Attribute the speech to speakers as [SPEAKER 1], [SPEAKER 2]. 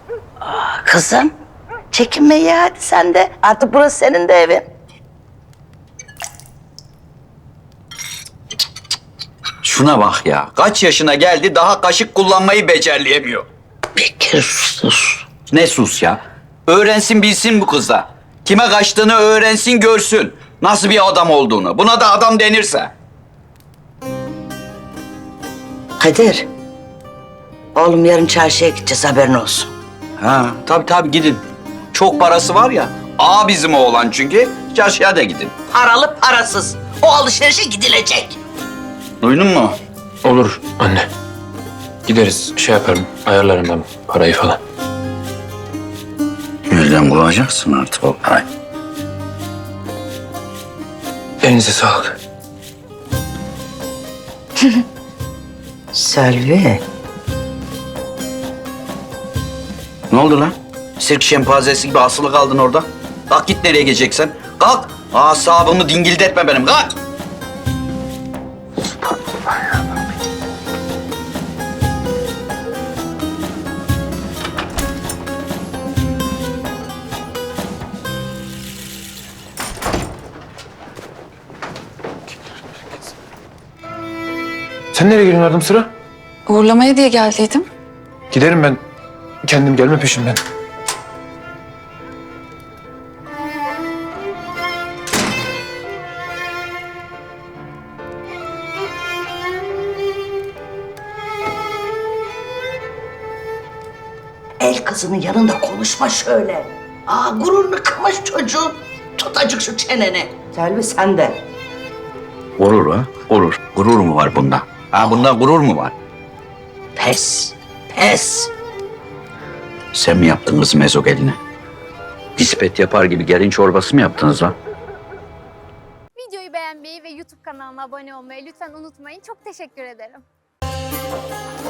[SPEAKER 1] Kızım, çekinme ya hadi sen de. Artık burası senin de evin.
[SPEAKER 2] Şuna bak ya. Kaç yaşına geldi daha kaşık kullanmayı becerleyemiyor.
[SPEAKER 1] Bekir sus.
[SPEAKER 2] Ne sus ya. Öğrensin bilsin bu kız da. Kime kaçtığını öğrensin görsün. Nasıl bir adam olduğunu. Buna da adam denirse.
[SPEAKER 1] Kadir. Oğlum yarın çarşıya gideceğiz haberin olsun.
[SPEAKER 2] Ha tabii gidin. Çok parası var ya. Bizim oğlan çünkü. Çarşıya da gidin.
[SPEAKER 1] Paralı parasız. O alışverişe gidilecek.
[SPEAKER 2] Duydun mu?
[SPEAKER 3] Olur anne. Gideriz, şey yaparım, ayarlarım ben parayı falan.
[SPEAKER 2] Nereden bulacaksın artık o parayı?
[SPEAKER 3] Elinize sağlık.
[SPEAKER 1] Selvi.
[SPEAKER 2] Ne oldu lan? Sirk şempanzesi gibi asılı kaldın orada. Kalk git nereye gideceksen. Kalk. Asabımı dingildetme benim. Kalk.
[SPEAKER 3] Sen nereye gidiyorsun yardım sıra?
[SPEAKER 4] Uğurlamaya diye geldiydim.
[SPEAKER 3] Giderim ben. Kendim gelme peşimden.
[SPEAKER 1] El kızının yanında konuşma şöyle. Gururunu kırmış çocuğun. Tut acık şu çeneni. Selvi sen de.
[SPEAKER 2] Gurur ha? Gurur. Gurur mu var bunda? Bunda gurur mu var?
[SPEAKER 1] Pes.
[SPEAKER 2] Sen mi yaptın kızım ezogelini? Nispet yapar gibi gelin çorbası mı yaptınız lan?
[SPEAKER 5] Videoyu beğenmeyi ve YouTube kanalıma abone olmayı lütfen unutmayın. Çok teşekkür ederim.